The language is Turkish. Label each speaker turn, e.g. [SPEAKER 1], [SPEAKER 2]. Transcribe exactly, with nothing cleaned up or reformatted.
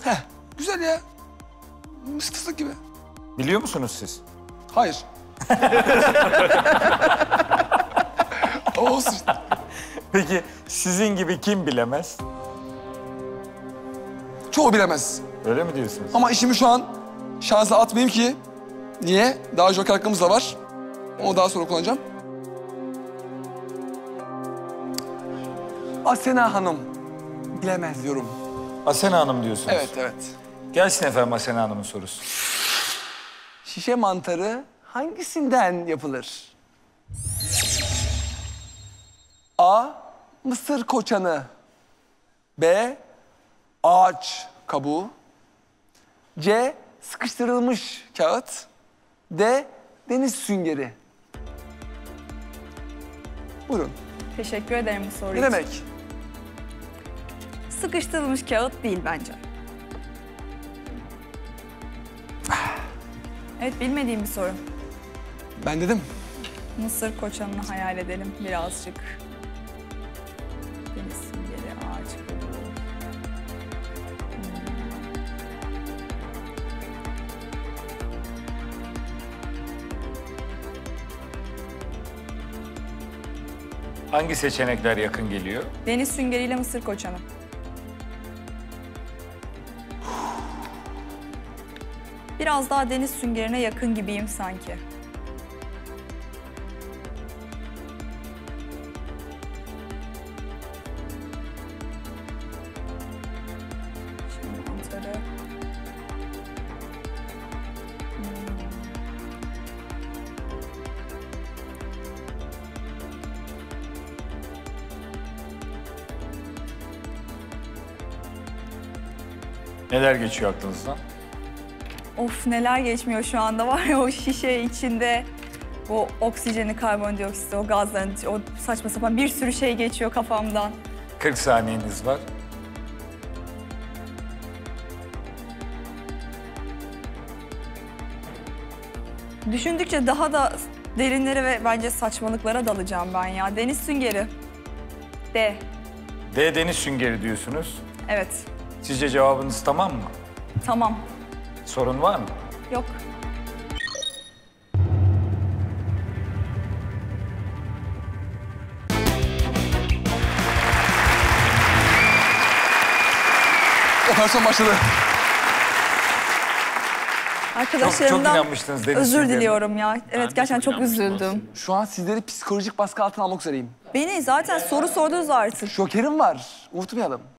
[SPEAKER 1] Heh, güzel ya. Fıstık gibi.
[SPEAKER 2] Biliyor musunuz siz?
[SPEAKER 1] Hayır. Olsun.
[SPEAKER 2] Peki sizin gibi kim bilemez?
[SPEAKER 1] Çoğu bilemez.
[SPEAKER 2] Öyle mi diyorsunuz?
[SPEAKER 1] Ama işimi şu an şansa atmayayım ki. Niye? Daha joker hakkımız da var. Onu daha sonra kullanacağım. Asena Hanım. Bilemez diyorum.
[SPEAKER 2] Asena Hanım diyorsunuz.
[SPEAKER 1] Evet, evet.
[SPEAKER 2] Gelsin efendim Asena Hanım'ın sorusu.
[SPEAKER 1] Şişe mantarı hangisinden yapılır? A. Mısır koçanı. B. Ağaç kabuğu. C. Sıkıştırılmış kağıt. D. Deniz süngeri. Buyurun.
[SPEAKER 3] Teşekkür ederim bu soru
[SPEAKER 1] Ne
[SPEAKER 3] için.
[SPEAKER 1] demek?
[SPEAKER 3] Sıkıştırılmış kağıt değil bence. Evet, bilmediğim bir soru.
[SPEAKER 1] Ben dedim.
[SPEAKER 3] Mısır koçanını hayal edelim birazcık. Deniz süngeri, ağaç kabuğu.
[SPEAKER 2] Hangi seçenekler yakın geliyor?
[SPEAKER 3] Deniz süngeriyle mısır koçanı. Biraz daha deniz süngerine yakın gibiyim sanki. Şimdi mantarı.
[SPEAKER 2] Neler geçiyor aklınızdan?
[SPEAKER 3] Of, neler geçmiyor şu anda var ya, o şişe içinde o oksijeni, karbondioksit, o gazların, o saçma sapan bir sürü şey geçiyor kafamdan.
[SPEAKER 2] kırk saniyeniz var.
[SPEAKER 3] Düşündükçe daha da derinlere ve bence saçmalıklara dalacağım ben ya. Deniz süngeri. D.
[SPEAKER 2] D deniz süngeri diyorsunuz.
[SPEAKER 3] Evet.
[SPEAKER 2] Sizce cevabınız tamam mı?
[SPEAKER 3] Tamam.
[SPEAKER 2] Sorun var mı?
[SPEAKER 3] Yok.
[SPEAKER 1] Operasyon başladı.
[SPEAKER 3] Arkadaşlarımdan
[SPEAKER 2] çok inanmıştınız deniz
[SPEAKER 3] özür
[SPEAKER 2] süngerine.
[SPEAKER 3] diliyorum ya. Evet, gerçekten çok üzüldüm.
[SPEAKER 1] Şu an sizleri psikolojik baskı altına almak üzereyim.
[SPEAKER 3] Beni zaten soru sordunuz artık.
[SPEAKER 1] Jokerim var. Unutmayalım.